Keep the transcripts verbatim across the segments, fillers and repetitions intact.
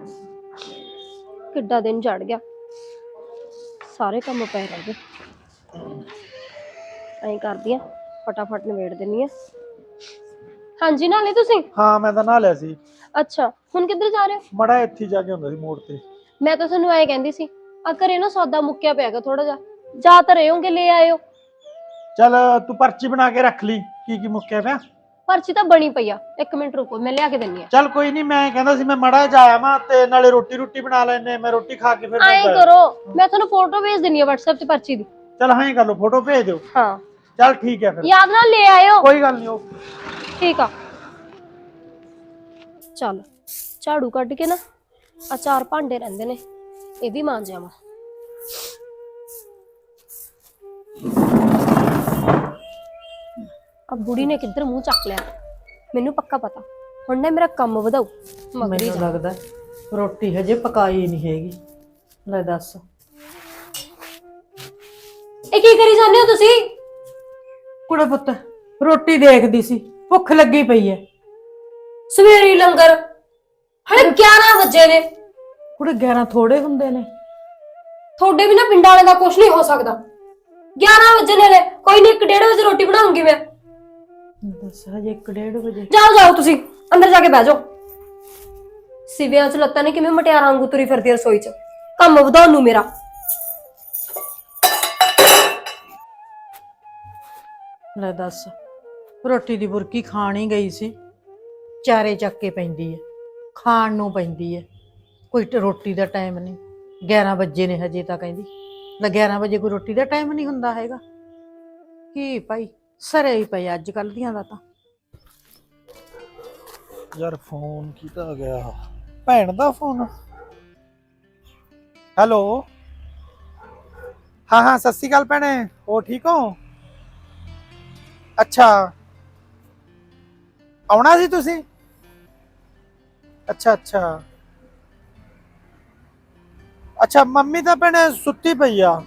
ਕਿੱਡਾ ਦਿਨ ਚੜ ਗਿਆ, ਸਾਰੇ ਕੰਮ ਪਏ ਰਹਿ ਗਏ। ਐਂ ਕਰਦੀ ਆ, ਫਟਾਫਟ ਨਿਬੇੜ ਦਿੰਨੀ ਆ। ਹਾਂਜੀ, ਨਾਲੇ ਤੁਸੀਂ? ਹਾਂ ਮੈਂ ਤਾਂ ਨਹਾ ਲਿਆ ਸੀ। ਅੱਛਾ, ਹੁਣ ਕਿੱਧਰ ਜਾ ਰਹੇ ਹੋ? ਮੜਾ ਇੱਥੇ ਜਾ ਕੇ ਹੁੰਦਾ ਸੀ ਮੋੜ ਤੇ। ਮੈਂ ਤਾਂ ਤੁਹਾਨੂੰ ਐਂ ਕਹਿੰਦੀ ਸੀ, ਆ ਘਰੇ ਨਾ ਸੌਦਾ ਮੁੱਕਿਆ ਪਿਆਗਾ ਥੋੜਾ ਜਿਹਾ, ਜਾ ਤਾਂ ਰਹੇ ਹੋਗੇ, ਲੈ ਆਇਓ। ਚੱਲ ਤੂੰ ਪਰਚੀ ਬਣਾ ਕੇ ਰੱਖ ਲਈ, ਕੀ ਕੀ ਮੁੱਕਿਆ ਪਿਆ। ਪਰਚੀ ਤਾਂ ਬਣੀ ਪਈ ਆ, ਇੱਕ ਮਿੰਟ ਰੁਕੋ, ਮੈਂ ਲਿਆ ਕੇ ਦਿੰਨੀ ਆ। ਚੱਲ ਕੋਈ ਨਹੀਂ, ਮੈਂ ਕਹਿੰਦਾ ਸੀ ਮੈਂ ਮੜਾ ਜਾਇਆ ਮੈਂ ਤੇ ਨਾਲੇ ਰੋਟੀ ਰੋਟੀ ਬਣਾ ਲੈਨੇ, ਮੈਂ ਰੋਟੀ ਖਾ ਕੇ ਫਿਰ ਐਂ ਕਰੋ, ਮੈਂ ਤੁਹਾਨੂੰ ਫੋਟੋ ਭੇਜ ਦਿੰਨੀ ਆ WhatsApp ਤੇ ਪਰਚੀ ਦੀ। ਚੱਲ ਹਾਂ ਕਰ ਲਓ, ਫੋਟੋ ਭੇਜ ਦਿਓ। ਹਾਂ ਚੱਲ ਠੀਕ ਹੈ ਫਿਰ, ਯਾਦ ਨਾਲ ਲੈ ਆਇਓ। ਕੋਈ ਗੱਲ ਨਹੀਂ। ਉਹ ਠੀਕ ਆ, ਚੱਲ ਝਾੜੂ ਕੱਢ ਕੇ ਨਾ ਆ ਚਾਰ ਭਾਂਡੇ ਰਹਿੰਦੇ ਨੇ, ਇਹ ਵੀ ਮਾਂਜ ਜਾਵਾਂ। ਆ ਬੁੜੀ ਨੇ ਕਿੱਧਰ ਮੂੰਹ ਚੱਕ ਲਿਆ, ਮੈਨੂੰ ਪੱਕਾ ਪਤਾ ਹੁਣ ਨਾ ਮੇਰਾ ਕੰਮ ਵਧਾਉ। ਮੈਨੂੰ ਲੱਗਦਾ ਰੋਟੀ ਹਜੇ ਪਕਾਈ ਨਹੀਂ ਹੈਗੀ। ਲੈ ਦੱਸ, ਇਹ ਕੀ ਕਰੀ ਜਾਂਦੇ ਹੋ ਤੁਸੀਂ? ਕੁੜੇ ਪੁੱਤ ਰੋਟੀ ਦੇਖਦੀ ਸੀ, ਭੁੱਖ ਲੱਗੀ ਪਈ ਐ। ਸਵੇਰੀ ਲੰਗਰ, ਹਲੇ ਗਿਆਰਾਂ ਵਜੇ ਨੇ। ਕੁੜੇ ਗਿਆਰਾਂ ਥੋੜੇ ਹੁੰਦੇ ਨੇ। ਤੁਹਾਡੇ ਵੀ ਨਾ ਪਿੰਡਾਂ ਵਾਲੇ ਦਾ ਕੁਝ ਨਹੀਂ ਹੋ ਸਕਦਾ। ਗਿਆਰਾਂ ਵਜੇ ਨੇ, ਕੋਈ ਨਹੀਂ, ਇੱਕ ਡੇਢ ਵਜੇ ਰੋਟੀ ਬਣਾਉਂਗੀ ਮੈਂ। ਦੱਸ ਹਜੇ ਇੱਕ ਡੇਢ ਵਜੇ। ਜਾਓ ਜਾਓ, ਤੁਸੀਂ ਅੰਦਰ ਜਾ ਕੇ ਬਹਿ ਜਾਓ। ਸਿਵਿਆਂ ਚ ਲੱਤਾਂ ਨੇ ਕਿਵੇਂ ਮਟਿਆਰਾਂ ਵਾਂਗੂ ਤੁਰੀ ਫਿਰਦੀ ਰਸੋਈ ਚ, ਕੰਮ ਵਧਾਉਣ ਨੂੰ ਮੇਰਾ। ਲੈ ਦੱਸ, ਰੋਟੀ ਦੀ ਬੁਰਕੀ ਖਾਣ ਹੀ ਗਈ ਸੀ, ਚਾਰੇ ਚੱਕ ਕੇ ਪੈਂਦੀ ਐ, ਖਾਣ ਨੂੰ ਪੈਂਦੀ ਐ। ਕੋਈ ਰੋਟੀ ਦਾ ਟਾਈਮ ਨਹੀਂ, ਗਿਆਰਾਂ ਵਜੇ ਨੇ ਹਜੇ ਤਾਂ ਕਹਿੰਦੀ। ਲੈ ਗਿਆਰਾਂ ਵਜੇ ਕੋਈ ਰੋਟੀ ਦਾ ਟਾਈਮ ਨਹੀਂ ਹੁੰਦਾ ਹੈਗਾ। ਕੀ ਭਾਈ ਸਰੇ ਹੀ ਪਈ ਅੱਜ ਕੱਲ ਦੀਆਂ ਦਾ ਤਾਂ। ਯਾਰ ਫੋਨ ਕੀਤਾ ਆ ਗਿਆ, ਭੈਣ ਦਾ ਫੋਨ। ਹੈਲੋ, ਹਾਂ ਹਾਂ ਸਤਿ ਸ਼੍ਰੀ ਅਕਾਲ ਭੈਣੇ, ਹੋ ਠੀਕ ਹੋ? ਅੱਛਾ, ਆਉਣਾ ਸੀ ਤੁਸੀਂ? ਅੱਛਾ ਅੱਛਾ ਅੱਛਾ, ਮੰਮੀ ਤਾਂ ਭੈਣੇ ਸੁੱਤੀ ਪਈ ਆ।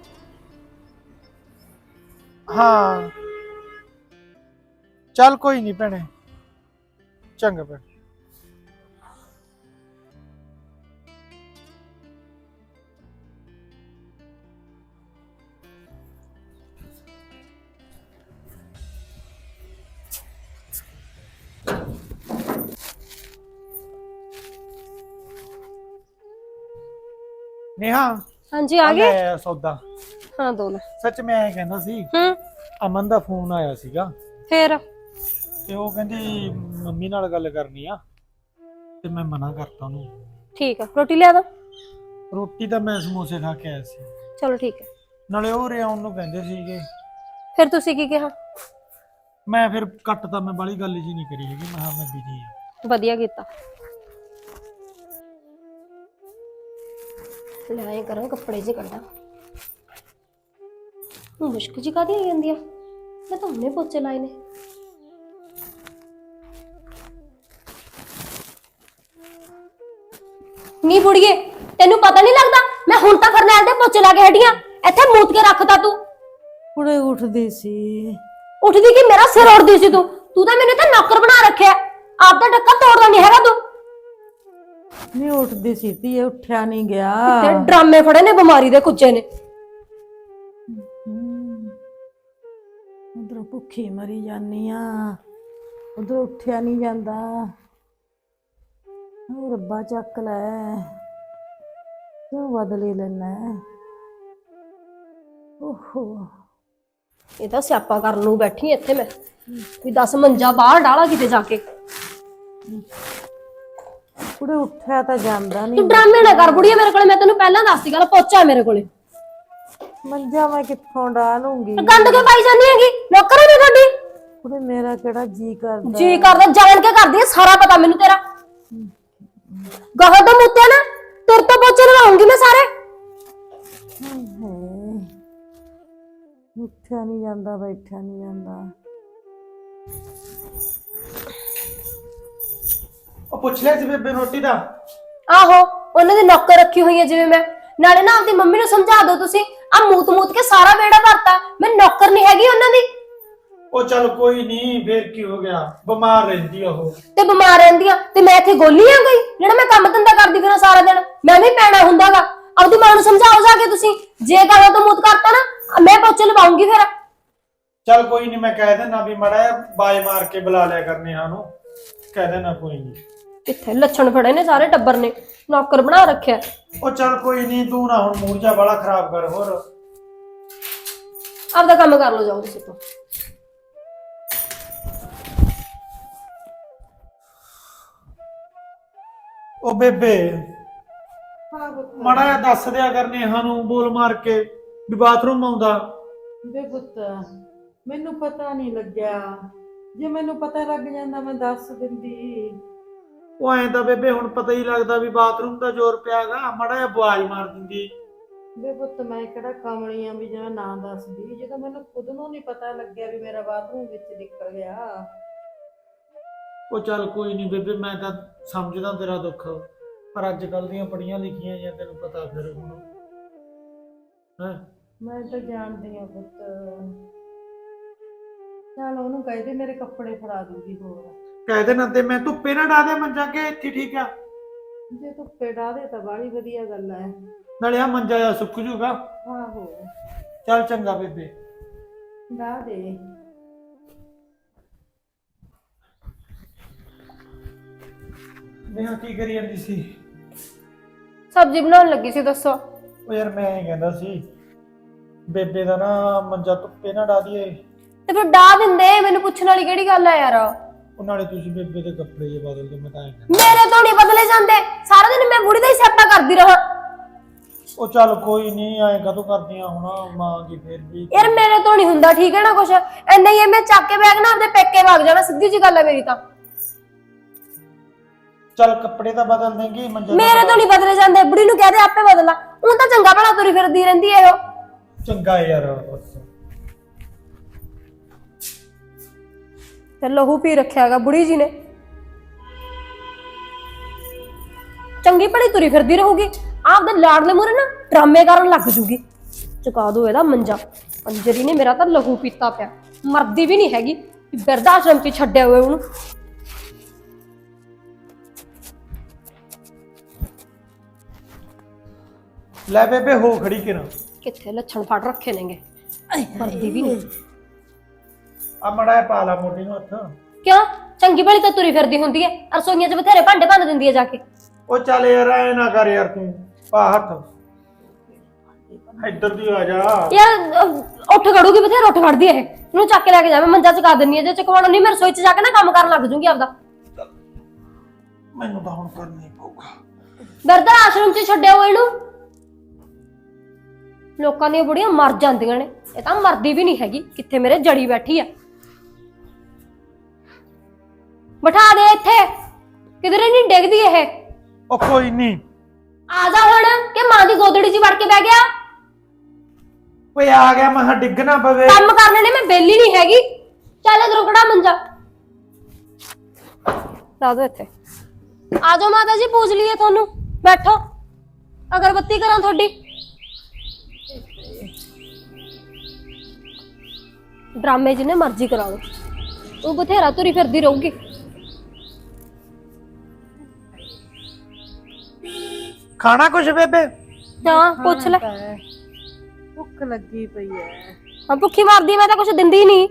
ਹਾਂ ਚੱਲ ਕੋਈ ਨਹੀਂ ਭੈਣੇ, ਚੰਗਾ ਭੈਣੇ। नेहा, ਹਾਂਜੀ ਆ ਗਏ। ਲੈ ਸੌਦਾ। ਹਾਂ ਦੋ ਲੈ। ਸੱਚ ਮੈਂ ਇਹ ਕਹਿੰਦਾ ਸੀ, ਹੂੰ, ਅਮਨ ਦਾ ਫੋਨ ਆਇਆ ਸੀਗਾ ਫੇਰ? ਤੇ ਉਹ ਕਹਿੰਦੀ ਮੰਮੀ ਨਾਲ ਗੱਲ ਕਰਨੀ ਆ, ਤੇ ਮੈਂ ਮਨਾ ਕਰਤਾ ਉਹਨੂੰ। ਠੀਕ ਆ, ਰੋਟੀ ਲਿਆ ਦਾਂ? ਰੋਟੀ ਤਾਂ ਮੈਂ ਸਮੋਸੇ ਖਾ ਕੇ ਆਇਆ ਸੀ। ਚਲੋ ਠੀਕ ਹੈ। ਨਾਲੇ ਉਹ ਰਿਆਉਣ ਨੂੰ ਕਹਿੰਦੇ ਸੀਗੇ। ਫਿਰ ਤੁਸੀਂ ਕੀ ਕਿਹਾ? ਮੈਂ ਫਿਰ ਕੱਟ ਤਾਂ ਮੈਂ ਬਾਲੀ ਗੱਲ ਜੀ ਨਹੀਂ ਕਰੀ ਹੈਗੀ, ਮੈਂ ਕਿਹਾ ਮੈਂ ਬਿਜੀ ਆ। ਵਧੀਆ ਕੀਤਾ। ਲੈ ਆਏ ਕਰਾਂ, ਕੱਪੜੇ ਜੇ ਕੱਢਾਂ। ਮੁਸ਼ਕ ਜੀ ਕਾਹਦੀ ਆਈ ਜਾਂਦੀ ਆ? ਮੈਂ ਤਾਂ ਹੁਣੇ ਪੋਚੇ ਲਾਏ ਨੇ। ਨੀ ਬੁੜੀਏ, ਤੈਨੂੰ ਪਤਾ ਨਹੀਂ ਲੱਗਦਾ ਮੈਂ ਹੁਣ ਤਾਂ ਫਰਨੈਲ ਦੇ ਪੋਚੇ ਲਾ ਕੇ ਹਟੀਆਂ, ਇੱਥੇ ਮੂਤ ਕੇ ਰੱਖਦਾ ਤੂੰ। ਕੁੜੇ ਉੱਠਦੀ ਸੀ। ਉੱਠਦੀ ਕਿ ਮੇਰਾ ਸਿਰ ਉੜਦੀ ਸੀ ਤੂੰ? ਤੂੰ ਤਾਂ ਮੈਨੂੰ ਇੱਥੇ ਨੌਕਰ ਬਣਾ ਰੱਖਿਆ, ਆਪ ਦਾ ਡੱਕਾ ਤੋੜਦਾ ਨਹੀਂ ਹੈਗਾ ਤੂੰ। ਨਹੀਂ ਉੱਠਦੀ ਸੀ ਧੀਏ, ਉੱਠਿਆ ਨਹੀਂ ਗਿਆ। ਤੇ ਡਰਾਮੇ ਫੜੇ ਨੇ, ਬਿਮਾਰੀ ਦੇ ਕੁੱਜੇ ਨੇ। ਉਧਰੋਂ ਭੁੱਖੀ ਮਰੀ ਜਾਨੀ ਆ, ਉਧਰੋਂ ਉੱਠਿਆ ਨਹੀਂ ਜਾਂਦਾ। ਉਹ ਰੱਬਾ ਚੱਕ ਲੈ, ਕਿਉਂ ਬਦਲੇ ਲੈਣਾ? ਓਹੋ, ਇਹ ਤਾਂ ਸਿਆਪਾ ਕਰਨ ਨੂੰ ਬੈਠੀ ਇੱਥੇ ਮੈਂ, ਵੀ ਦਸ ਮੰਜਾ ਬਾਹਰ ਡਾਲਾ ਕਿਤੇ ਜਾ ਕੇ। ਕੁੜੇ ਉੱਠਿਆ ਤਾਂ ਜਾਂਦਾ ਨਹੀਂ। ਤੂੰ ਡਰਾਮੇ ਨਾ ਕਰ ਬੁੜੀਆ ਮੇਰੇ ਕੋਲੇ, ਮੈਂ ਤੈਨੂੰ ਪਹਿਲਾਂ ਦੱਸਦੀ ਗੱਲ, ਪੋਚਾ ਮੇਰੇ ਕੋਲੇ। ਮੰਜਾ ਮੈਂ ਕਿੱਥੋਂ ਡਾਲੂੰਗੀ? ਗੰਦ ਕੇ ਪਾਈ ਜਾਂਦੀ ਹੈਗੀ, ਨੌਕਰ ਹੈ ਤੁਹਾਡੀ। ਕੁੜੇ ਮੇਰਾ ਕਿਹੜਾ ਜੀ ਕਰਦਾ? ਜੀ ਕਰਦਾ, ਜਾਣ ਕੇ ਕਰਦੀ ਹੈ, ਸਾਰਾ ਪਤਾ ਮੈਨੂੰ ਤੇਰਾ। ਗਾਹਾਂ ਤੋਂ ਮੁੱਤਿਆ ਨਾ, ਤੇਰੇ ਤੋਂ ਪੋਚੇ ਲਵਾਉਂਗੀ ਮੈਂ ਸਾਰੇ। ਉੱਠਿਆ ਨਹੀਂ ਜਾਂਦਾ, ਬੈਠਿਆ ਨਹੀਂ ਜਾਂਦਾ। ਉਹ ਪੁੱਛ ਲਿਆ ਸੀ ਬੇਬੇ ਰੋਟੀ ਦਾ? ਆਹੋ, ਉਹਨਾਂ ਦੀ ਨੌਕਰ ਰੱਖੀ ਹੋਈ ਹੈ ਜਿਵੇਂ ਮੈਂ। ਨਾਲੇ ਨਾ ਆਪਦੀ ਮੰਮੀ ਨੂੰ ਸਮਝਾ ਦਿਓ ਤੁਸੀਂ, ਆ ਮੂਤ ਮੂਤ ਕੇ ਸਾਰਾ ਵੇੜਾ ਭਰਤਾ, ਮੈਂ ਨੌਕਰ ਨਹੀਂ ਹੈਗੀ ਉਹਨਾਂ ਦੀ। ਉਹ ਚੱਲ ਕੋਈ ਨਹੀਂ, ਫੇਰ ਕੀ ਹੋ ਗਿਆ, ਬਿਮਾਰ ਰਹਿੰਦੀ ਆ ਉਹ। ਤੇ ਬਿਮਾਰ ਰਹਿੰਦੀ ਆ ਤੇ ਮੈਂ ਇੱਥੇ ਗੋਲੀ ਆ ਗਈ ਜਿਹੜਾ ਮੈਂ ਕੰਮ ਧੰਦਾ ਕਰਦੀ ਫਿਰਾਂ ਸਾਰਾ ਦਿਨ? ਮੈਂ ਵੀ ਪੈਣਾ ਹੁੰਦਾਗਾ। ਆਪਦੀ ਮਾਂ ਨੂੰ ਸਮਝਾਓ ਜਾ ਕੇ ਤੁਸੀਂ, ਜੇ ਕਹਾਂ ਤਾਂ ਮੂਤ ਕਰਤਾ ਨਾ ਮੈਂ ਪੋਚੇ ਲਵਾਉਂਗੀ ਫਿਰ। ਚੱਲ ਕੋਈ ਨਹੀਂ, ਮੈਂ ਕਹਿ ਦੇਣਾ ਵੀ ਮੜਾ ਬਾਜ ਮਾਰ ਕੇ ਬੁਲਾ ਲਿਆ ਕਰਨੇ ਸਾਨੂੰ, ਕਹਿ ਦੇਣਾ ਕੋਈ ਨਹੀਂ। ਕਿੱਥੇ ਲੱਛਣ ਫੜੇ ਨੇ ਸਾਰੇ ਟੱਬਰ ਨੇ, ਨੌਕਰ ਬਣਾ ਰੱਖਿਆ। ਉਹ ਚੱਲ ਕੋਈ ਨਹੀਂ, ਤੂੰ ਨਾ ਹੁਣ ਮੂਡ ਜਾ ਬੜਾ ਖਰਾਬ ਕਰ। ਹੋਰ ਆਪਦਾ ਕੰਮ ਕਰ ਲੋ, ਜਾਓ ਤੁਸੀਂ ਤੋਂ। ਉਹ ਬੇਬੇ ਹਾਂ ਪੁੱਤ। ਮੜਾ ਜਿਹਾ ਦੱਸ ਦਿਆ ਕਰਨੇ ਸਾਨੂੰ ਬੋਲ ਮਾਰ ਕੇ ਵੀ ਬਾਥਰੂਮ ਆਉਂਦਾ। ਵੇ ਪੁੱਤ ਮੈਨੂੰ ਪਤਾ ਨਹੀਂ ਲੱਗਿਆ, ਜੇ ਮੈਨੂੰ ਪਤਾ ਲੱਗ ਜਾਂਦਾ ਮੈਂ ਦੱਸ ਦਿੰਦੀ। ਉਹ ਐਂ ਤਾਂ ਬੇਬੇ ਹੁਣ ਪਤਾ ਹੀ ਲੱਗਦਾ ਵੀ ਬਾਥਰੂਮ ਦਾ ਜ਼ੋਰ ਪਿਆਗਾ, ਮੜਾ ਜਿਹਾ ਆਵਾਜ਼ ਮਾਰ ਦਿੰਦੀ। ਵੇ ਪੁੱਤ ਮੈਂ ਕਿਹੜਾ ਕਮਲੀ ਆ ਵੀ ਜਿਵੇਂ ਨਾ ਦੱਸਦੀ, ਜਦੋਂ ਮੈਨੂੰ ਖੁਦ ਨੂੰ ਨਹੀਂ ਪਤਾ ਲੱਗਿਆ ਵੀ ਮੇਰਾ ਬਾਥਰੂਮ ਵਿੱਚ ਨਿਕਲ ਗਿਆ। ਉਹ ਚੱਲ ਕੋਈ ਨਹੀਂ ਬੇਬੇ, ਮੈਂ ਤਾਂ ਸਮਝਦਾ ਤੇਰਾ ਦੁੱਖ, ਪਰ ਅੱਜ ਕੱਲ ਦੀਆਂ ਪੜੀਆਂ ਲਿਖੀਆਂ ਜਾਂ ਤੈਨੂੰ ਪਤਾ ਫਿਰ ਹੁਣ ਹੈ। ਮੈਂ ਤਾਂ ਜਾਣਦੀ ਆ ਪੁੱਤ, ਚੱਲ ਉਹਨੂੰ ਕਹਿ ਦੇ ਮੇਰੇ ਕੱਪੜੇ ਫੜਾ ਦੂਗੀ। ਹੋਰ ਕਹਿ ਦੇਣਾ ਤੇ ਮੈਂ ਧੁੱਪੇ ਨਾ ਡਾ ਦੇ ਮੰਜਾ ਕੇ ਇੱਥੇ, ਠੀਕ ਆ? ਜੇ ਧੁੱਪੇ ਡਾ ਦੇ ਤਾਂ ਬਾਹਲੀ ਵਧੀਆ ਗੱਲ ਹੈ। ਨਾਲੇ ਆ ਮੰਜਾ ਜਾ ਸੁੱਕ ਜੂਗਾ। ਆਹੋ ਚੱਲ ਚੰਗਾ ਬੇਬੇ, ਡਾ ਦੇ। ਮੈਂ ਕੀ ਕਰੀ ਜਾਂਦੀ ਸੀ? ਸਬਜ਼ੀ ਬਣਾਉਣ ਲੱਗੀ ਸੀ, ਦੱਸੋ। ਉਹ ਯਾਰ ਮੈਂ ਇਹ ਕਹਿੰਦਾ ਸੀ ਬੇਬੇ ਦਾ ਨਾ ਮੰਜਾ ਧੁੱਪੇ ਨਾ ਡਾ ਦਈਏ। ਤੇ ਫਿਰ ਡਾ ਦਿੰਦੇ, ਮੈਨੂੰ ਪੁੱਛਣ ਵਾਲੀ ਕਿਹੜੀ ਗੱਲ ਆ ਯਾਰ। ਉਹ ਨਾਲੇ ਤੁਸੀਂ ਬੇਬੇ ਦੇ ਕੱਪੜੇ ਜੇ ਬਦਲ ਦੋ, ਮੈਂ ਤਾਂ ਐਂ ਕਹਿੰਦਾ। ਮੇਰੇ ਤੋਂ ਨਹੀਂ ਬਦਲੇ ਜਾਂਦੇ, ਸਾਰਾ ਦਿਨ ਮੈਂ ਬੁੜੀ ਦਾ ਹੀ ਸਿਆਪਾ ਕਰਦੀ ਰਹਾ। ਉਹ ਚੱਲ ਕੋਈ ਨਹੀਂ, ਐਂ ਕਦੋਂ ਕਰਦੀਆਂ ਹੁਣ, ਮਾਂ ਕੀ ਫੇਰ ਵੀ। ਯਾਰ ਮੇਰੇ ਤੋਂ ਨਹੀਂ ਹੁੰਦਾ, ਠੀਕ ਹੈ ਨਾ ਕੁਛ ਐਨਾ ਹੀ ਹੈ। ਮੈਂ ਚੱਕ ਕੇ ਬੈਗ ਨਾ ਆਪਦੇ ਪੇਕੇ ਵਗ ਜਾਣਾ, ਸਿੱਧੀ ਜੀ ਗੱਲ ਹੈ ਮੇਰੀ ਤਾਂ। ਚੱਲ ਕੱਪੜੇ ਤਾਂ ਬਦਲ ਦੇਂਗੀ, ਮੰਜਾ ਮੇਰੇ ਤੋਂ ਨਹੀਂ ਬਦਲੇ ਜਾਂਦੇ, ਬੁੜੀ ਨੂੰ ਕਹਦੇ ਆਪੇ ਬਦਲਾ। ਉਹ ਤਾਂ ਚੰਗਾ ਭਲਾ ਤੁਰੀ ਫਿਰਦੀ ਰਹਿੰਦੀ ਹੈ ਉਹ। ਚੰਗਾ ਯਾਰ ਬਸ। ਤੇ ਲਹੂ ਪੀ ਰੱਖਿਆਗਾ ਬੁੜੀ ਜੀ ਨੇ, ਚੰਗੀ ਭਲੀ ਤੁਰੀ ਫਿਰਦੀ ਰਹੂਗੀ, ਆਪਦੇ ਲਾਡਲੇ ਮੂਹਰੇ ਨਾ ਡਰਾਮੇ ਕਰਨ ਲੱਗ ਜੂਗੀ। ਚੁਕਾ ਦੋ ਇਹਦਾ ਮੰਜਾ, ਅੰਜਰੀ ਨੇ ਮੇਰਾ ਤਾਂ ਲਹੂ ਪੀਤਾ ਪਿਆ, ਮਰਦੀ ਵੀ ਨਹੀਂ ਹੈਗੀ, ਬਿਰਧ ਆਸ਼ਰਮ ਚ ਛੱਡਿਆ ਹੋਇਆ ਉਹਨੂੰ। ਲੈ ਬੇਬੇ ਹੋ ਖੜੀ ਕਿਰਾਂ, ਕਿੱਥੇ ਲੱਛਣ ਫੜ ਰੱਖੇ ਨੇਗੇ, ਮਰਦੀ ਵੀ ਨਹੀਂ। ਆ ਮੜਾ ਪਾ ਲਾ ਮੋਢੇ ਨੂੰ ਹੱਥ। ਕਿਉਂ? ਚੰਗੀ ਭਲੀ ਤਾਂ ਤੁਰੀ ਫਿਰਦੀ ਹੁੰਦੀ ਹੈ, ਰਸੋਈਆਂ ਚ ਬਥੇਰੇ ਭਾਂਡੇ ਭੰਨ ਦਿੰਦੀ ਹੈ ਜਾ ਕੇ। ਉਹ ਚੱਲ ਯਾਰ ਐ ਨਾ ਕਰ ਯਾਰ, ਤੂੰ ਪਾ ਹੱਥ, ਇੱਧਰ ਦੀ ਆ ਜਾ ਯਾਰ। ਉੱਠ ਖੜੂਗੀ ਬਥੇਰੇ, ਉੱਠ ਖੜਦੀ ਹੈ ਇਹ, ਇਹਨੂੰ ਚੱਕ ਕੇ ਲੈ ਕੇ ਜਾ, ਮੈਂ ਮੰਜਾ ਚਕਾ ਦਿੰਨੀ ਹੈ। ਜੇ ਚਕਵਾਉਣਾ ਨਹੀਂ ਮੈਂ ਰਸੋਈ ਚ ਜਾ ਕੇ ਨਾ ਕੰਮ ਕਰਨ ਲੱਗ ਜੂਗੀ ਆਪਦਾ। ਮੈਨੂੰ ਤਾਂ ਹੁਣ ਕਰਨਾ ਹੀ ਪਊਗਾ। ਬਿਰਧ ਆਸ਼ਰਮ ਚ ਛੱਡਿਆ ਹੋਇਆ ਇਹਨੂੰ। ਲੋਕਾਂ ਦੀਆਂ ਬੁੜੀਆਂ ਮਰ ਜਾਂਦੀਆਂ ਨੇ, ਇਹ ਤਾਂ ਮਰਦੀ ਵੀ ਨਹੀਂ ਹੈਗੀ, ਕਿੱਥੇ ਮੇਰੇ ਜੜੀ ਬੈਠੀ ਆ। ਬਿਠਾ ਦੇ ਇੱਥੇ, ਕਿਧਰੇ ਨਹੀਂ ਡਿੱਗਦੀ ਇਹ। ਉਹ ਕੋਈ ਨਹੀਂ, ਆ ਜਾ ਹੁਣ, ਕਿ ਮਾਂ ਦੀ ਗੋਦੜੀ 'ਚ ਵੜ ਕੇ ਬਹਿ ਗਿਆ। ਓਏ ਆ ਗਿਆ, ਮੈਂ ਡਿੱਗ ਨਾ ਪਵੇ। ਕੰਮ ਕਰਨੇ ਨੇ, ਮੈਂ ਬੇਲੀ ਨਹੀਂ ਹੈਗੀ। ਚੱਲ ਇਧਰੋਂ ਖੜਾ ਮੰਜਾ ਲਾ ਦੋ ਇੱਥੇ। ਆ ਜਾਓ ਮਾਤਾ ਜੀ, ਪੂਜ ਲਈਏ ਤੁਹਾਨੂੰ, ਬੈਠੋ, ਅਗਰਬੱਤੀ ਕਰਾਂ ਤੁਹਾਡੀ। ਡਰਾਮੇ ਜਿੰਨੇ ਮਰਜ਼ੀ ਕਰਾ ਲਓ, ਉਹ ਬਥੇਰਾ ਤੁਰੀ ਫਿਰਦੀ ਰਹੂਗੀ। ਖਾਣਾ ਕੁਛ ਬੇਬੇ? ਹਾਂ ਪੁੱਛ ਲੈ। ਭੁੱਖ ਲੱਗੀ ਪਈ ਐ। ਹਾਂ ਭੁੱਖੀ ਮਾਰਦੀ, ਮੈਂ ਤਾਂ ਕੁਛ ਦਿੰਦੀ ਨਹੀਂ।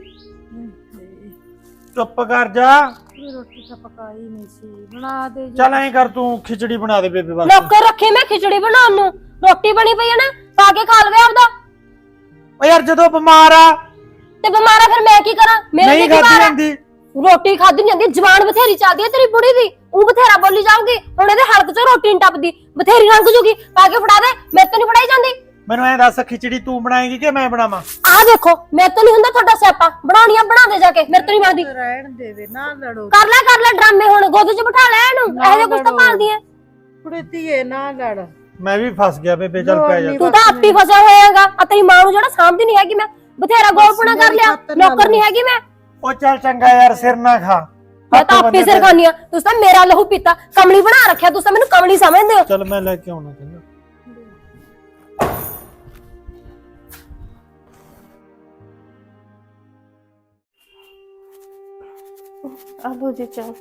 ਚੁੱਪ ਕਰ ਜਾ, ਰੋਟੀ ਤਾਂ ਪਕਾਈ ਨਹੀਂ ਸੀ, ਬਣਾ ਦੇ। ਚੱਲ ਐਂ ਕਰ, ਤੂੰ ਖਿਚੜੀ ਬਣਾ ਦੇ ਬੇਬੇ ਵਾਸਤੇ। ਨੌਕਰ ਰੱਖੇ ਮੈਂ ਖਿਚੜੀ ਬਣਾਉਣ ਨੂੰ, ਰੋਟੀ ਬਣੀ ਪਈ ਹੈ ਨਾ, ਪਾ ਕੇ ਖਾ ਲਵੇ ਆਪਦਾ। ਓ ਯਾਰ ਜਦੋਂ ਬਿਮਾਰ ਆ ਤੇ ਬਿਮਾਰ ਆ ਫਿਰ ਮੈਂ ਕੀ ਕਰਾਂ? ਮੇਰੇ ਨਹੀਂ ਤੇ ਖਾਦੀ ਬਿਮਾਰ ਆ, ਜਾਂਦੀ। ਰੋਟੀ ਖਾਦੀ ਨਹੀਂ ਜਾਂਦੀ, ਜ਼ਬਾਨ ਬਥੇਰੀ ਚੱਲਦੀ ਹੈ ਤੇਰੀ ਬੁੜੀ ਦੀ, ਉਹ ਬਥੇਰਾ ਬੋਲੀ ਜਾਊਗੀ। ਹੁਣ ਇਹਦੇ ਹਲਕ ਚੋਂ ਰੋਟੀ ਨਹੀਂ ਟੱਪਦੀ, ਬਥੇਰੀ ਲੰਘ ਜੂਗੀ, ਪਾ ਕੇ ਫੜਾ ਦੇ। ਮੇਰੇ ਤੋਂ ਨਹੀਂ ਫੜਾਈ ਜਾਂਦੀ। ਮੈਨੂੰ ਐਂ ਦੱਸ, ਖਿਚੜੀ ਤੂੰ ਬਣਾਏਂਗੀ ਕਿ ਮੈਂ ਬਣਾਵਾਂ? ਆਹ ਦੇਖੋ, ਮੇਰੇ ਤੋਂ ਨਹੀਂ ਹੁੰਦਾ ਤੁਹਾਡਾ ਸਿਆਪਾ, ਬਣਾਉਣੀ ਆ ਬਣਾ ਦੇ ਜਾ ਕੇ, ਮੇਰੇ ਤੋਂ ਨਹੀਂ ਬਣਦੀ। ਰਹਿਣ ਦੇਵੇ, ਨਾ ਲੜੋ। ਕਰ ਲੈ ਕਰ ਲੈ ਡਰਾਮੇ, ਹੁਣ ਗੋਦ 'ਚ ਬਿਠਾ ਲੈ ਇਹਨੂੰ, ਇਹੋ ਜਿਹਾ ਕੁਛ ਤਾਂ ਭਾਲਦੀ ਐ। ਕੁੜੇ ਧੀਏ ਨਾ ਲੜ। ਮੈਂ ਵੀ ਫਸ ਗਿਆ ਬੇਬੇ, ਚੱਲ ਪੈ ਜਾ। ਤੂੰ ਤਾਂ ਆਪੀ ਫਸਿਆ ਹੋਇਆਗਾ, ਆ ਤੇਰੀ ਮਾਂ ਨੂੰ ਜਿਹੜਾ ਸਾਂਭਦੀ ਨਹੀਂ ਹੈਗੀ। ਮੈਂ ਬਥੇਰਾ ਗੋਲਪੁਣਾ ਕਰ ਲਿਆ, ਨੌਕਰ ਨਹੀਂ ਹੈਗੀ ਮੈਂ। ਉਹ ਚੱਲ ਚੰਗਾ ਯਾਰ, ਸਿਰ ਨਾ ਖਾ। ਮੈਂ ਤਾਂ ਆਪੇ ਸਿਰ ਖਾਨੀ ਆ, ਤੁਸੀਂ ਤਾਂ ਮੇਰਾ ਲਹੂ ਪੀਤਾ, ਕਮਲੀ ਬਣਾ ਰੱਖਿਆ, ਤੁਸੀਂ ਤਾਂ ਮੈਨੂੰ ਕਮਲੀ ਸਮਝਦੇ ਹੋ। ਚੱਲ ਮੈਂ ਲੈ ਕੇ ਆਉਣਾ ਕਹਿੰਦਾ। ਆ ਲੋ ਜੀ ਚਾਹ।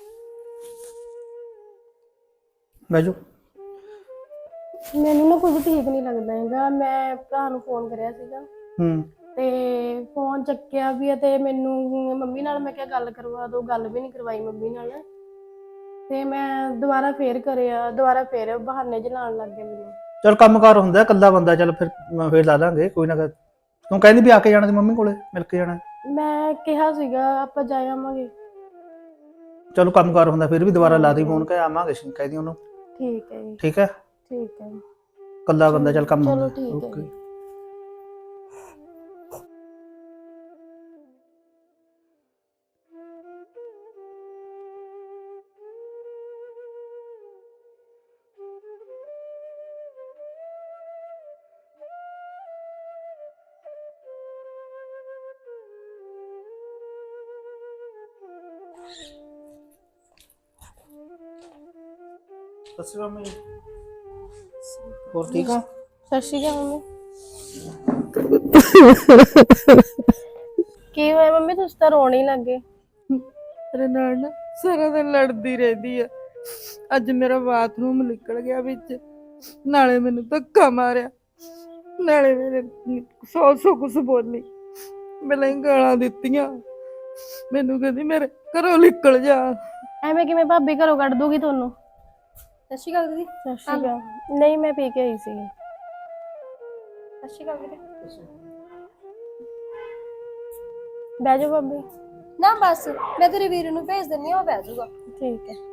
ਬੈਜੋ। ਮੈਨੂੰ ਨਾ ਕੁਝ ਠੀਕ ਨਹੀਂ ਲੱਗਦਾ ਹੈਗਾ। ਮੈਂ ਭਰਾ ਨੂੰ ਫੋਨ ਕਰਿਆ ਸੀਗਾ ਹੂੰ ਤੇ ਫੋਨ ਚੱਕਿਆ ਵੀ ਹੈ ਤੇ ਮੈਨੂੰ ਮੰਮੀ ਨਾਲ ਮੈਂ ਕਿਹਾ ਗੱਲ ਕਰਵਾ ਦੋ, ਗੱਲ ਵੀ ਨਹੀਂ ਕਰਵਾਈ ਮੰਮੀ ਨਾਲ। ਤੇ ਮੈਂ ਦੁਬਾਰਾ ਫੇਰ ਕਰਿਆ, ਦੁਬਾਰਾ ਫੇਰ ਬਹਾਨੇ ਜਲਾਉਣ ਲੱਗ ਗਏ ਮੈਨੂੰ। ਚਲ ਕੰਮਕਾਰ ਹੁੰਦਾ, ਇਕੱਲਾ ਬੰਦਾ, ਚਲ ਫਿਰ ਫੇਰ ਲਾ ਲਾਂਗੇ ਕੋਈ ਨਾ। ਤੂੰ ਕਹਿੰਦੀ ਵੀ ਆ ਕੇ ਜਾਣਾ ਸੀ ਮੰਮੀ ਕੋਲੇ, ਮਿਲ ਕੇ ਜਾਣਾ। ਮੈਂ ਕਿਹਾ ਸੀਗਾ ਆਪਾਂ ਜਾ ਆਵਾਂਗੇ। ਚਲੋ ਕੰਮਕਾਰ ਹੁੰਦਾ, ਫਿਰ ਵੀ ਦੁਬਾਰਾ ਲਾ ਦੀ ਫੋਨ, ਕਹਿ ਆਵਾਂਗੇ, ਕਹਿ ਦੀ ਉਹਨੂੰ। ਠੀਕ ਹੈ ਜੀ। ਠੀਕ ਹੈ ਠੀਕ ਹੈ ਇਕੱਲਾ ਬੰਦਾ, ਚਲ ਕੰਮ ਚਲੋ ਹੁੰਦਾ। ਠੀਕ ਹੈ ਓਕੇ। ਜੀ। ਸਤਿ ਸ਼੍ਰੀ ਅਕਾਲ ਮੰਮੀ। ਹੋਰ ਠੀਕ ਆ? ਸਤਿ ਸ਼੍ਰੀ ਅਕਾਲ ਮੰਮੀ। ਕੀ ਹੋਇਆ ਮੰਮੀ, ਤੁਸੀਂ ਤਾਂ ਰੋਣ ਹੀ ਲੱਗੇ। ਮੇਰੇ ਨਾਲ ਨਾ ਸਾਰਾ ਦਿਨ ਲੜਦੀ ਰਹਿੰਦੀ ਆ। ਅੱਜ ਮੇਰਾ ਬਾਥਰੂਮ ਨਿਕਲ ਗਿਆ ਵਿੱਚ, ਨਾਲੇ ਮੈਨੂੰ ਧੱਕਾ ਮਾਰਿਆ, ਨਾਲੇ ਮੇਰੇ ਸੌ ਸੌ ਕੁਛ ਬੋਲੀ, ਮੈਨੂੰ ਗਾਲਾਂ ਦਿੱਤੀਆਂ। ਮੈਨੂੰ ਕਹਿੰਦੀ ਮੇਰੇ ਘਰੋਂ ਨਿਕਲ ਜਾ। ਐਵੇਂ ਕਿਵੇਂ ਭਾਬੀ ਘਰੋਂ ਕੱਢ ਦੂਗੀ ਤੁਹਾਨੂੰ? ਸਤਿ ਸ਼੍ਰੀ ਅਕਾਲ ਦੀਦੀ। ਸਤਿ ਸ਼੍ਰੀ ਅਕਾਲ। ਨਹੀਂ ਮੈਂ ਪੀ ਕੇ ਆਈ ਸੀ। ਸਤਿ ਸ਼੍ਰੀ ਅਕਾਲ ਵੀਰੇ। ਬਹਿ ਜਾਓ ਭਾਬੀ। ਨਾ ਬਸ ਮੈਂ ਤੇਰੇ ਵੀਰ ਨੂੰ ਭੇਜ ਦਿੰਨੀ ਆ, ਉਹ ਬਹਿ ਜਾਊਗਾ। ਠੀਕ ਹੈ।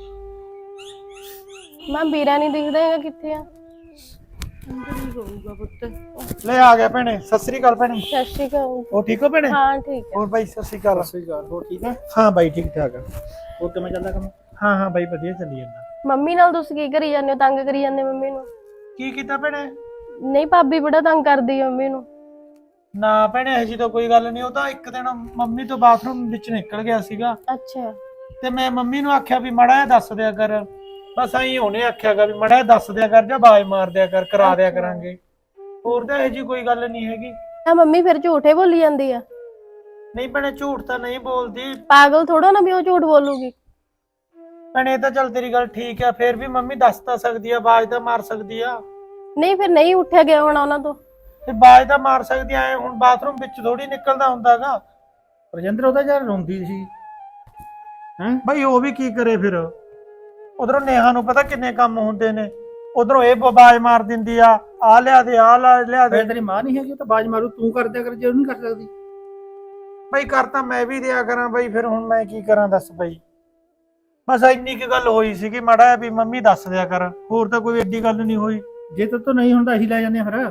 ਮਾਂ ਵੀਰਾ ਨਹੀਂ ਦਿਖਦਾ ਹੈਗਾ, ਕਿੱਥੇ ਆ? ਅੰਦਰ ਹੀ ਹੋਊਗਾ ਪੁੱਤ। ਲੈ ਆ ਗਿਆ ਭੈਣੇ। ਸਤਿ ਸ੍ਰੀ ਅਕਾਲ ਭੈਣੇ। ਸਤਿ ਸ਼੍ਰੀ ਅਕਾਲ। ਉਹ ਠੀਕ ਹੋ ਭੈਣੇ? ਹਾਂ ਠੀਕ ਹੈ। ਹੋਰ ਬਾਈ ਸਤਿ ਸ੍ਰੀ ਅਕਾਲ। ਸਤਿ ਸ਼੍ਰੀ ਅਕਾਲ। ਹੋਰ ਠੀਕ ਹੈ? ਹਾਂ ਬਾਈ ਠੀਕ ਠਾਕ ਆ। ਹੋਰ ਕਿਵੇਂ ਚੱਲਦਾ ਕੰਮ? ਹਾਂ ਹਾਂ ਬਾਈ ਵਧੀਆ ਚੱਲੀ ਜਾਂਦਾ। ਮੰਮੀ ਨਾਲ ਤੁਸੀਂ ਕੀ ਕਰੀ ਜਾਂਦੇ ਹੋ? ਤੰਗ ਕਰੀ ਜਾਂਦੇ ਮੰਮੀ ਨੂੰ? ਕੀ ਕੀਤਾ ਭੈਣੇ? ਨਹੀਂ ਭਾਬੀ ਬੜਾ ਤੰਗ ਕਰਦੀ ਹੈ ਮੰਮੀ ਨੂੰ। ਨਾ ਭੈਣੇ ਇਹੋ ਜਿਹੀ ਤਾਂ ਕੋਈ ਗੱਲ ਨਹੀਂ। ਉਹ ਤਾਂ ਇੱਕ ਦਿਨ ਮੰਮੀ ਤੋਂ ਬਾਥਰੂਮ ਵਿੱਚ ਨਿਕਲ ਗਿਆ ਸੀਗਾ ਅੱਛਾ। ਤੇ ਮੈਂ ਮੰਮੀ ਨੂੰ ਆਖਿਆ ਵੀ ਮੜਾ ਜਿਹਾ ਦੱਸ ਦਿਆ ਕਰ। ਬਸ ਐਂ ਉਹਨੇ ਆਖਿਆਗਾ ਵੀ ਮੜਾ ਜਿਹਾ ਦੱਸ ਦਿਆ ਕਰ ਜਾਂ ਆਵਾਜ਼ ਮਾਰ ਦਿਆ ਕਰ, ਕਰਾ ਦਿਆ ਕਰਾਂਗੇ। ਹੋਰ ਤਾਂ ਇਹੋ ਜਿਹੀ ਕੋਈ ਗੱਲ ਨਹੀਂ ਹੈਗੀ। ਆ ਮੰਮੀ ਫਿਰ ਝੂਠੇ ਬੋਲੀ ਜਾਂਦੀ ਆ? ਨਹੀਂ ਭੈਣੇ ਝੂਠ ਤਾਂ ਨਹੀਂ ਬੋਲਦੀ। ਪਾਗਲ ਥੋੜਾ ਨਾ ਵੀ ਉਹ ਝੂਠ ਬੋਲੂਗੀ। ਭੈਣੇ ਇਹ ਤਾਂ ਚੱਲ ਤੇਰੀ ਗੱਲ ਠੀਕ ਆ, ਫੇਰ ਵੀ ਮੰਮੀ ਦੱਸ ਤਾਂ ਸਕਦੀ ਆ, ਆਵਾਜ਼ ਤਾਂ ਮਾਰ ਸਕਦੀ ਆ। ਨਹੀਂ ਫਿਰ ਨਹੀਂ ਉੱਠਿਆ ਗਿਆ ਹੋਣਾ ਉਹਨਾਂ ਤੋਂ। ਤੇ ਆਵਾਜ਼ ਤਾਂ ਮਾਰ ਸਕਦੀ ਆ। ਹੁਣ ਬਾਥਰੂਮ ਵਿੱਚ ਥੋੜੀ ਨਿਕਲਦਾ ਹੁੰਦਾਗਾ। ਰਜਿੰਦਰ ਉਹਦਾ ਯਾਰ ਰੋਂਦੀ ਸੀ। ਹੈਂ ਬਈ ਉਹ ਵੀ ਕੀ ਕਰੇ ਫਿਰ? ਉਧਰੋਂ ਨੇਹਾ ਨੂੰ ਪਤਾ ਕਿੰਨੇ ਕੰਮ ਹੁੰਦੇ ਨੇ, ਉਧਰੋਂ ਇਹ ਆਵਾਜ਼ ਮਾਰ ਦਿੰਦੀ ਆ, ਆ ਲਿਆ ਦੇ, ਆ ਲਿਆ ਦੇ। ਤੇਰੀ ਮਾਂ ਨਹੀਂ ਹੈਗੀ, ਉਹ ਤਾਂ ਬਾਜ ਮਾਰੂ, ਤੂੰ ਕਰ ਦਿਆ ਕਰ ਜੇ ਉਹ ਨਹੀਂ ਕਰ ਸਕਦੀ। ਬਈ ਕਰ ਤਾਂ ਮੈਂ ਵੀ ਦਿਆ ਕਰਾਂ ਬਈ, ਫਿਰ ਹੁਣ ਮੈਂ ਕੀ ਕਰਾਂ ਦੱਸ ਬਈ। ਬਸ ਇੰਨੀ ਕੀ ਗੱਲ ਹੋਈ ਸੀਗੀ, ਮਾੜਾ ਜਿਹਾ ਵੀ ਮੰਮੀ ਦੱਸ ਦਿਆ ਕਰ, ਹੋਰ ਤਾਂ ਕੋਈ ਏਡੀ ਗੱਲ ਨਹੀਂ ਹੋਈ। ਜੇ ਤੇਰੇ ਤੋਂ ਨਹੀਂ ਹੁੰਦਾ ਅਸੀਂ ਲੈ ਜਾਂਦੇ ਫਿਰ।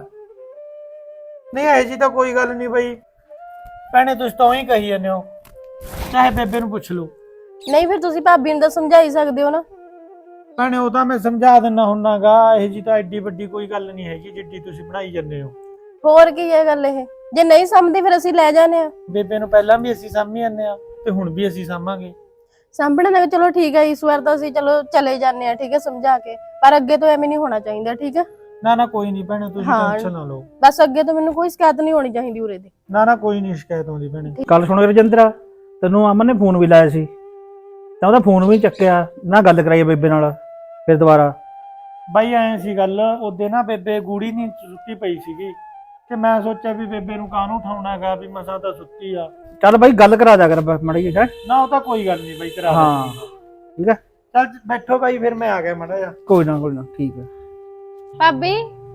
ਨਹੀਂ ਇਹੋ ਜੀ ਤਾਂ ਕੋਈ ਗੱਲ ਨਹੀਂ ਬਈ। ਭੈਣੇ ਤੁਸੀਂ ਤਾਂ ਉਹੀ ਕਹੀ ਜਾਂਦੇ ਹੋ, ਚਾਹੇ ਬੇਬੇ ਨੂੰ ਪੁੱਛ ਲਓ। ਨਹੀਂ ਫਿਰ ਤੁਸੀਂ ਭਾਬੀ ਨੂੰ ਤਾਂ ਸਮਝਾ ਹੀ ਸਕਦੇ ਹੋ ਨਾ। ਭੈਣੇ ਉਹ ਤਾਂ ਮੈਂ ਸਮਝਾ ਦਿੰਦਾ ਹੁੰਨਾਗਾ, ਇਹੋ ਜੀ ਤਾਂ ਐਡੀ ਵੱਡੀ ਕੋਈ ਗੱਲ ਨਹੀਂ ਹੈਗੀ ਜਿੱਡੀ ਤੁਸੀਂ ਬਣਾਈ ਜਾਂਦੇ ਹੋ। ਹੋਰ ਕੀ ਹੈ ਗੱਲ ਇਹ? ਜੇ ਨਹੀਂ ਸਮਝਦੀ ਫਿਰ ਅਸੀਂ ਲੈ ਜਾਣੇ ਆ। ਬੇਬੇ ਨੂੰ ਪਹਿਲਾਂ ਵੀ ਅਸੀਂ ਸਾਂਭੀ ਜਾਂਦੇ ਆ ਤੇ ਹੁਣ ਵੀ ਅਸੀਂ ਸਾਂਭਾਂਗੇ। ਸਾਂਭਣੇ ਦਾ ਚਲੋ ਠੀਕ ਹੈ, ਇਸ ਵਾਰ ਤਾਂ ਅਸੀਂ ਚਲੋ ਚਲੇ ਜਾਂਦੇ ਆ, ਠੀਕ ਹੈ, ਸਮਝਾ ਕੇ। ਪਰ ਅੱਗੇ ਤੋਂ ਐਵੇਂ ਨਹੀਂ ਹੋਣਾ ਚਾਹੀਦਾ, ਠੀਕ ਹੈ? ਨਾ ਨਾ ਕੋਈ ਨਹੀਂ ਭੈਣੇ, ਤੁਸੀਂ ਹਾਂ। ਟੈਨਸ਼ਨ ਨਾ ਲਓ। ਬਸ ਅੱਗੇ ਤੋਂ ਮੈਨੂੰ ਕੋਈ ਸ਼ਿਕਾਇਤ ਨਹੀਂ ਹੋਣੀ ਚਾਹੀਦੀ ਉਰੇ ਦੀ। ਨਾ ਨਾ ਕੋਈ ਨਹੀਂ ਸ਼ਿਕਾਇਤ ਆਉਂਦੀ ਭੈਣੇ। ਕੱਲ ਸੁਣ ਰਜਿੰਦਰ, ਤੈਨੂੰ ਅਮਨ ਨੇ ਫੋਨ ਵੀ ਲਾਇਆ ਸੀ ਤਾਂ ਉਹਦਾ ਫੋਨ ਵੀ ਚੱਕਿਆ ਨਾ, ਗੱਲ ਕਰਾਈ ਬੇਬੇ ਨਾਲ ਫਿਰ ਦੁਬਾਰਾ। ਬਾਈ ਐ ਸੀ ਗੱਲ, ਉਹਦੇ ਨਾ ਬੇਬੇ ਗੂੜੀ ਨਹੀਂ ਸੁੱਤੀ ਪਈ ਸੀਗੀ ਤੇ ਮੈਂ ਸੋਚਿਆ ਵੀ ਬੇਬੇ ਨੂੰ ਕਾਹਨੂੰ ਉਠਾਉਣਾ ਹੈਗਾ, ਵੀ ਮਸਾਂ ਤਾਂ ਸੁੱਤੀ ਆ। ਚੱਲ ਬਾਈ ਗੱਲ ਕਰਾ ਦਿਆ ਕਰ ਮਾੜੀ ਜਿਹੀ। ਹੈ ਨਾ ਉਹ ਤਾਂ ਕੋਈ ਗੱਲ ਨਹੀਂ ਬਾਈ, ਕਰਾ ਹਾਂ ਠੀਕ ਹੈ। ਚੱਲ ਬੈਠੋ ਬਾਈ, ਫਿਰ ਮੈਂ ਆ ਗਿਆ ਮਾੜਾ ਜਿਹਾ। ਕੋਈ ਨਾ ਕੋਈ ਨਾ ਠੀਕ ਹੈ। ਭਾਬੀ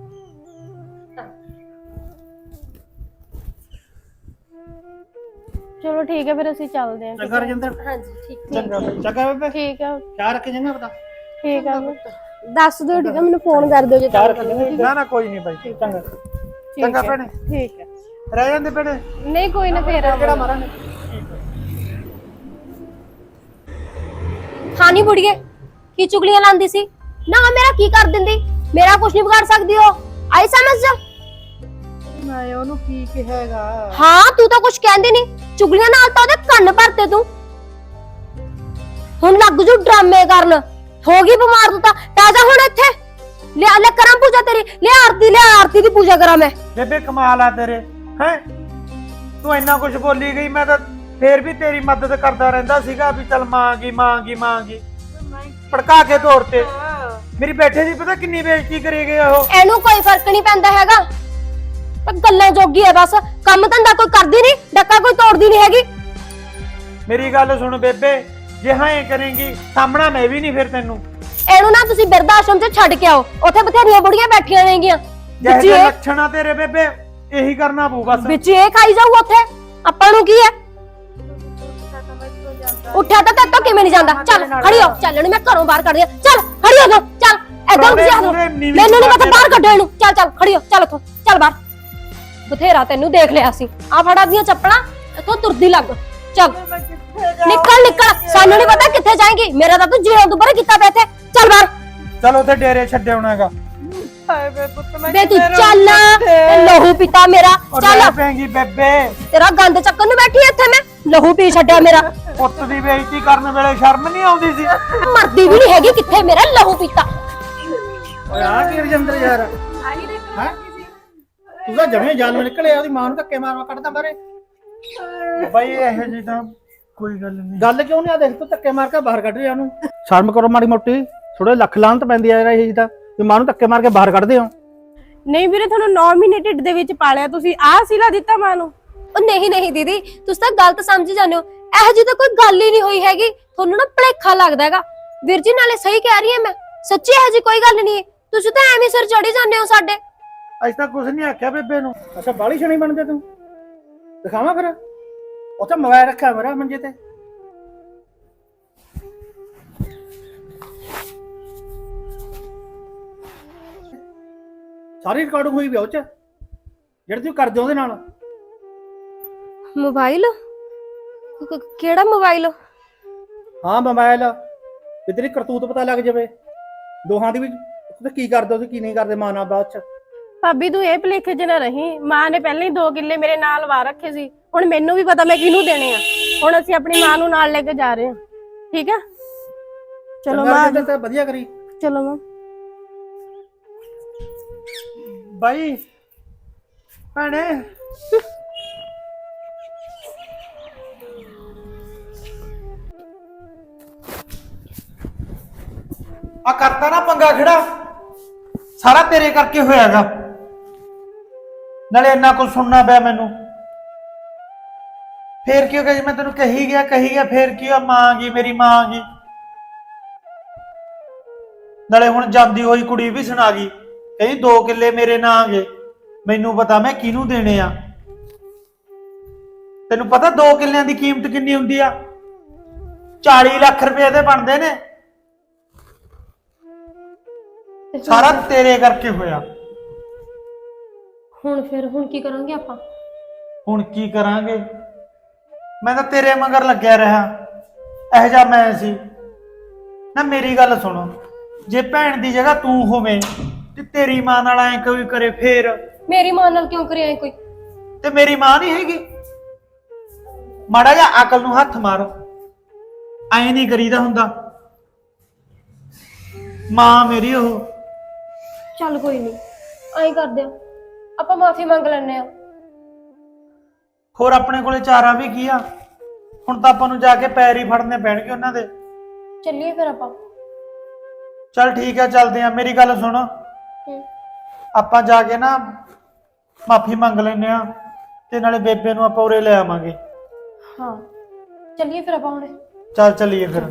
ਚਲੋ ਠੀਕ ਹੈ, ਫਿਰ ਅਸੀਂ ਚੱਲਦੇ ਹਾਂ। ਚੰਗਾ ਰਜਿੰਦਰ। ਹਾਂਜੀ ਠੀਕ ਚੰਗਾ ਬਾਈ, ਚੰਗਾ ਬੇਬੇ। ਠੀਕ ਹੈ। ਚਾਹ ਰੱਖ ਜਾਂਗਾ ਪਤਾ। ਠੀਕ ਹੈ, ਦੱਸ ਦਿਓ, ਠੀਕ ਹੈ? ਮੈਨੂੰ ਫੋਨ ਕਰ ਦਿਓ ਜੇ ਚਾਹ ਤੁਹਾਨੂੰ ਰੱਖ ਕਰਨੀ। ਨਾ ਨਾ ਕੋਈ ਨਹੀਂ ਬਾਈ, ਚੰਗਾ ਚੰਗਾ ਭੈਣੇ। ਠੀਕ ਹੈ। ਰਹਿ ਜਾਂਦੇ ਭੈਣੇ। ਨਹੀਂ ਕੋਈ ਨਾ, ਫੇਰ ਕਿਹੜਾ ਮਾਰਾਂਗੇ। ਹਾਂ ਨੀ ਬੁੜੀਏ, ਕੀ ਚੁਗਲੀਆਂ ਲਾਂਦੀ ਸੀ ਨਾ? ਮੇਰਾ ਕੀ ਕਰ ਦਿੰਦੀ? ਮੇਰਾ ਕੁਝ ਨਹੀਂ ਵਿਗਾੜ ਸਕਦੀ ਹੋ, ਆਈ ਸਮਝ ਜਾ। ਮੈਂ ਉਹਨੂੰ ਕੀ ਕਹੇਗਾ? ਹਾਂ ਤੂੰ ਤਾਂ ਕੁਝ ਕਹਿੰਦੀ ਨਹੀਂ, ਚੁਗਲੀਆਂ ਨਾਲ ਤਾਂ ਉਹਦੇ ਕੰਨ ਭਰਤੇ ਤੂੰ। ਹੁਣ ਲੱਗ ਜੂ ਡਰਾਮੇ ਕਰਨ, ਹੋ ਗਈ ਬਿਮਾਰ ਤੂੰ ਤਾਂ। ਤਾਜ਼ਾ ਹੁਣ ਇੱਥੇ ਲਿਆ, ਲੈ ਕਰਾਂ ਪੂਜਾ ਤੇਰੀ, ਲਿਆ ਆਰਤੀ, ਲਿਆ ਆਰਤੀ ਦੀ ਪੂਜਾ ਕਰਾਂ ਮੈਂ। ਬੇਬੇ ਕਮਾਲ ਆ ਤੇਰੇ, ਹੈ ਤੂੰ ਇੰਨਾ ਕੁਝ ਬੋਲੀ ਗਈ, ਮੈਂ ਤਾਂ ਫੇਰ ਵੀ ਤੇਰੀ ਮਦਦ ਕਰਦਾ ਰਹਿੰਦਾ ਸੀਗਾ ਵੀ ਚੱਲ ਮਾਂਗੀ ਮਾਂਗੀ ਮਾਂਗੀ ਭੜਕਾ ਕੇ ਤੋਰ ਤੇ ਮੇਰੀ ਬੈਠੇ ਦੀ ਪਤਾ ਕਿੰਨੀ ਬੇਇੱਜ਼ਤੀ ਕਰੀ ਗਏ ਉਹ। ਇਹਨੂੰ ਕੋਈ ਫਰਕ ਨਹੀਂ ਪੈਂਦਾ ਹੈਗਾ, ਪਰ ਗੱਲਾਂ ਜੋਗੀ ਹੈ ਬਸ, ਕੰਮ ਧੰਦਾ ਕੋਈ ਕਰਦੀ ਨਹੀਂ, ਡੱਕਾ ਕੋਈ ਤੋੜਦੀ ਨਹੀਂ ਹੈਗੀ। ਮੇਰੀ ਗੱਲ ਸੁਣ ਬੇਬੇ, ਜੇ ਹਾਂ ਇਹ ਕਰੇਂਗੀ ਸਾਹਮਣਾ ਮੈਂ ਵੀ ਨਹੀਂ ਫਿਰ ਤੈਨੂੰ। ਇਹਨੂੰ ਨਾ ਤੁਸੀਂ ਬਿਰਧ ਆਸ਼ਰਮ 'ਚ ਛੱਡ ਕੇ ਆਓ, ਉੱਥੇ ਬਥੇਰੀਆਂ ਬੁੜੀਆਂ ਬੈਠੀਆਂ ਨੇਗੀਆਂ, ਵਿੱਚ ਜਿਹੇ ਇਹ ਲੱਛਣ ਆ ਤੇਰੇ ਬੇਬੇ ਇਹੀ ਕਰਨਾ ਪਊ ਬਸ। ਵਿੱਚ ਇਹ ਖਾਈ ਜਾਊ ਉੱਥੇ, ਆਪਾਂ ਨੂੰ ਕੀ ਹੈ। ਉੱਠਿਆ ਤਾਂ ਤੇਤੋਂ ਕਿਵੇਂ ਨਹੀਂ ਜਾਂਦਾ, ਚੱਲ ਖੜੀ ਹੋ, ਚੱਲ ਇਹਨੂੰ ਮੈਂ ਘਰੋਂ ਬਾਹਰ ਕੱਢ ਦਿਆਂ, ਚੱਲ ਖੜੀ ਹੋ ਜਾ, ਚੱਲ ਏਦਾਂ ਨੂੰ ਜਾ, ਮੈਨੂੰ ਨਹੀਂ ਪਤਾ ਬਾਹਰ ਕੱਢੋ ਇਹਨੂੰ, ਚੱਲ ਚੱਲ ਖੜੀ ਹੋ, ਚੱਲ ਇੱਥੋਂ ਚੱਲ ਬਾਹਰ। ਬਥੇਰਾ ਤੈਨੂੰ ਦੇਖ ਲਿਆ ਸੀ, ਆ ਫੜਾ ਦੀਆਂ ਚੱਪਲਾਂ, ਇੱਥੋਂ ਤੁਰਦੀ ਲੱਗ, ਚੱਲ ਨਿਕਲ ਨਿਕਲ, ਸਾਨੂੰ ਨਹੀਂ ਪਤਾ ਕਿੱਥੇ ਜਾਏਂਗੀ, ਮੇਰਾ ਤਾਂ ਤੂੰ ਜਿਉਂ ਦੁਬਾਰਾ ਕੀਤਾ ਪਿਆ ਇੱਥੇ, ਚੱਲ ਬਾਹਰ। ਚਲ ਉੱਥੇ ਡੇਰੇ ਛੱਡੇ ਆਉਣਾਗਾ। ਬੇ ਤੂੰ ਚੱਲ, ਤੇ ਲਹੂ ਪੀਤਾ ਮੇਰਾ, ਚੱਲ ਪੈਂਗੀ ਬੇਬੇ, ਤੇਰਾ ਗੰਦ ਚੱਕਣ ਨੂੰ ਬੈਠੀ ਇੱਥੇ ਮੈਂ, ਲਹੂ ਪੀ ਛੱਡਿਆ ਮੇਰਾ। ਪੁੱਤ ਦੀ ਬੇਇੱਜ਼ਤੀ ਕਰਨ ਵੇਲੇ ਸ਼ਰਮ ਨਹੀਂ ਆਉਂਦੀ ਸੀ। ਮਰਦੀ ਵੀ ਨਹੀਂ ਹੈਗੀ, ਕਿੱਥੇ ਮੇਰਾ ਲਹੂ ਪੀਤਾ। ਓਏ ਆ ਕੀ ਰਜਿੰਦਰ ਯਾਰ ਹੈ ਤੂੰ ਤਾਂ ਜਮੇ ਜਾਲ ਨਿਕਲਿਆ, ਉਹਦੀ ਮਾਂ ਨੂੰ ਧੱਕੇ ਮਾਰਵਾ ਕੱਢਦਾ ਬਾਰੇ। ਬਾਈ ਇਹੋ ਜੀ ਤਾਂ ਕੋਈ ਗੱਲ ਨਹੀਂ। ਗੱਲ ਕਿਉਂ ਨਹੀਂ ਆ, ਦੇਖ ਤੂੰ ਧੱਕੇ ਮਾਰ ਕੇ ਬਾਹਰ ਕੱਢ ਰਿਹਾ ਉਹਨੂੰ। ਸ਼ਰਮ ਕਰੋ ਮਾੜੀ ਮੋਟੀ, ਥੋੜੇ ਲੱਖ ਲਾਹਨਤ ਪੈਂਦੀ ਆ ਯਾਰ ਇਹ ਜੀ ਤਾਂ, ਵੀ ਮਾਂ ਨੂੰ ਧੱਕੇ ਮਾਰ ਕੇ ਬਾਹਰ ਕੱਢਦੇ ਹੋ। ਨਹੀਂ ਵੀਰੇ, ਤੁਹਾਨੂੰ ਨੌ ਮਹੀਨੇ ਢਿੱਡ ਦੇ ਵਿੱਚ ਪਾਲਿਆ, ਤੁਸੀਂ ਆਹ ਸਿਲਾ ਦਿੱਤਾ ਮਾਂ ਨੂੰ। ਉਹ ਨਹੀਂ ਨਹੀਂ ਦੀਦੀ, ਤੁਸੀਂ ਤਾਂ ਗਲਤ ਸਮਝ ਜਾਂਦੇ ਹੋ, ਇਹੋ ਜਿਹੀ ਤਾਂ ਕੋਈ ਗੱਲ ਹੀ ਨਹੀਂ ਹੋਈ ਹੈਗੀ, ਤੁਹਾਨੂੰ ਨਾ ਭੁਲੇਖਾ ਲੱਗਦਾ ਹੈਗਾ। ਵੀਰ ਜੀ ਨਾਲੇ ਸਹੀ ਕਹਿ ਰਹੀ ਹਾਂ ਮੈਂ, ਸੱਚੀ ਇਹੋ ਜਿਹੀ ਕੋਈ ਗੱਲ ਨਹੀਂ ਹੈ, ਤੁਸੀਂ ਤਾਂ ਐਵੇਂ ਸਿਰ ਚੜੀ ਜਾਂਦੇ ਹੋ ਸਾਡੇ। ਅੱਜ ਤਾਂ ਕੁਝ ਨਹੀਂ ਆਖਿਆ ਬੇਬੇ ਨੂੰ। ਅੱਛਾ ਬਾਲੀ ਸ਼ਣੀ ਬਣਦੇ ਤੂੰ, ਦਿਖਾਵਾਂ ਫਿਰ, ਉੱਥੇ ਮੋਬਾਈਲ ਰੱਖਿਆ ਮੇਰਾ ਮੰਜੇ ਤੇ। ਸਾਰੀ ਰਿਕਾਰਡਿੰਗ ਹੋਈ ਵੀ ਉਹ ਚ, ਜਿਹੜੀ ਤੂੰ ਕਰਦੇ ਉਹਦੇ ਨਾਲ। ਮੋਬਾਈਲ? ਕਿਹੜਾ ਮੋਬਾਈਲ? ਹਾਂ ਮੋਬਾਈਲ, ਵੀ ਤੇਰੀ ਕਰਤੂਤ ਪਤਾ ਲੱਗ ਜਾਵੇ ਦੋਹਾਂ ਦੀ ਵੀ, ਤੁਸੀਂ ਕੀ ਕਰਦੇ ਹੋ ਕੀ ਨਹੀਂ ਕਰਦੇ ਮਾਂ ਨਾਲ ਬਾਅਦ ਚ। ਭਾਬੀ ਤੂੰ ਇਹ ਭੁਲੇਖੇ 'ਚ ਨਾ ਰਹੀ, ਮਾਂ ਨੇ ਪਹਿਲਾਂ ਹੀ ਦੋ ਕਿੱਲੇ ਮੇਰੇ ਨਾਲ ਵਾ ਰੱਖੇ ਸੀ, ਹੁਣ ਮੈਨੂੰ ਵੀ ਪਤਾ ਮੈਂ ਕਿਹਨੂੰ ਦੇਣੇ ਆ। ਹੁਣ ਅਸੀਂ ਆਪਣੀ ਮਾਂ ਨੂੰ ਨਾਲ ਲੈ ਕੇ ਜਾ ਰਹੇ ਹਾਂ, ਠੀਕ ਆ? ਚਲੋ ਮਾਂ, ਤਾਂ ਵਧੀਆ ਕਰੀ। ਚਲੋ ਮਾਂ। ਬਾਈ ਭੈਣੇ, ਆ ਕਰਤਾ ਨਾ ਪੰਗਾ ਖੜਾ, ਸਾਰਾ ਤੇਰੇ ਕਰਕੇ ਹੋਇਆਗਾ। ਨਾਲੇ ਇੰਨਾ ਕੁਝ ਸੁਣਨਾ ਪਿਆ ਮੈਨੂੰ। ਫੇਰ ਕੀ ਹੋ ਗਿਆ, ਜੀ ਮੈਂ ਤੈਨੂੰ ਕਹੀ ਗਿਆ ਕਹੀ ਗਿਆ ਫੇਰ ਕੀ ਆ, ਮਾਂ ਗਈ ਮੇਰੀ ਮਾਂ ਗਈ। ਨਾਲੇ ਹੁਣ ਜਾਂਦੀ ਹੋਈ ਕੁੜੀ ਵੀ ਸੁਣਾ ਗਈ, ਕਹਿੰਦੀ ਦੋ ਕਿੱਲੇ ਮੇਰੇ ਨਾਂ ਆ ਗਏ, ਮੈਨੂੰ ਪਤਾ ਮੈਂ ਕਿਹਨੂੰ ਦੇਣੇ ਆ। ਤੈਨੂੰ ਪਤਾ ਦੋ ਕਿੱਲਿਆਂ ਦੀ ਕੀਮਤ ਕਿੰਨੀ ਹੁੰਦੀ ਆ? ਚਾਲੀ ਲੱਖ ਰੁਪਏ ਦੇ ਬਣਦੇ ਨੇ। ਸਾਰਾ ਤੇਰੇ ਕਰਕੇ ਹੋਇਆ। ਹੁਣ ਫਿਰ ਹੁਣ ਕੀ ਕਰਾਂਗੇ ਆਪਾਂ? ਹੁਣ ਕੀ ਕਰਾਂਗੇ, ਮੈਂ ਤਾਂ ਤੇਰੇ ਮਗਰ ਲੱਗਿਆ ਰਿਹਾ, ਇਹੋ ਜਿਹਾ ਮੈਂ ਸੀ ਨਾ। ਮੇਰੀ ਗੱਲ ਸੁਣੋ, ਜੇ ਭੈਣ ਦੀ ਜਗ੍ਹਾ ਤੂੰ ਹੋਵੇਂ ਤੇ ਤੇਰੀ ਮਾਂ ਨਾਲ ਐ ਕੋਈ ਕਰੇ ਫੇਰ? ਮੇਰੀ ਮਾਂ ਨਾਲ ਕਿਉਂ ਕਰਿਆ ਕੋਈ? ਤੇ ਮੇਰੀ ਮਾਂ ਨਹੀਂ ਹੈਗੀ? ਮਾੜਾ ਜਿਹਾ ਅਕਲ ਨੂੰ ਹੱਥ ਮਾਰ, ਐ ਨਹੀਂ ਕਰੀਦਾ ਹੁੰਦਾ। ਮਾਂ ਮੇਰੀ ਉਹ। ਚੱਲ ਕੋਈ ਨਹੀਂ, ਐਂ ਕਰਦੇ ਆ, ਆਪਾਂ ਮਾਫੀ ਮੰਗ ਲੈਣੇ ਆ। ਹੋਰ ਆਪਣੇ ਕੋਲੇ ਚਾਰਾ ਵੀ ਕੀ ਆ? ਹੁਣ ਤਾਂ ਆਪਾਂ ਨੂੰ ਜਾ ਕੇ ਪੈਰ ਹੀ ਫੜਨੇ ਪੈਣਗੇ ਉਹਨਾਂ ਦੇ। ਚੱਲੀਏ ਫਿਰ ਆਪਾਂ। ਚੱਲ ਠੀਕ ਆ, ਚੱਲਦੇ ਆ। ਮੇਰੀ ਗੱਲ ਸੁਣ, ਹੂੰ। ਆਪਾਂ ਜਾ ਕੇ ਨਾ ਮਾਫੀ ਮੰਗ ਲੈਨੇ ਆ, ਤੇ ਨਾਲੇ ਬੇਬੇ ਨੂੰ ਆਪਾਂ ਉਰੇ ਲੈ ਆਵਾਂਗੇ। ਹਾਂ ਚੱਲੀਏ ਫਿਰ ਆਪਾਂ ਹੁਣੇ। ਚੱਲ ਚੱਲੀਏ ਫਿਰ।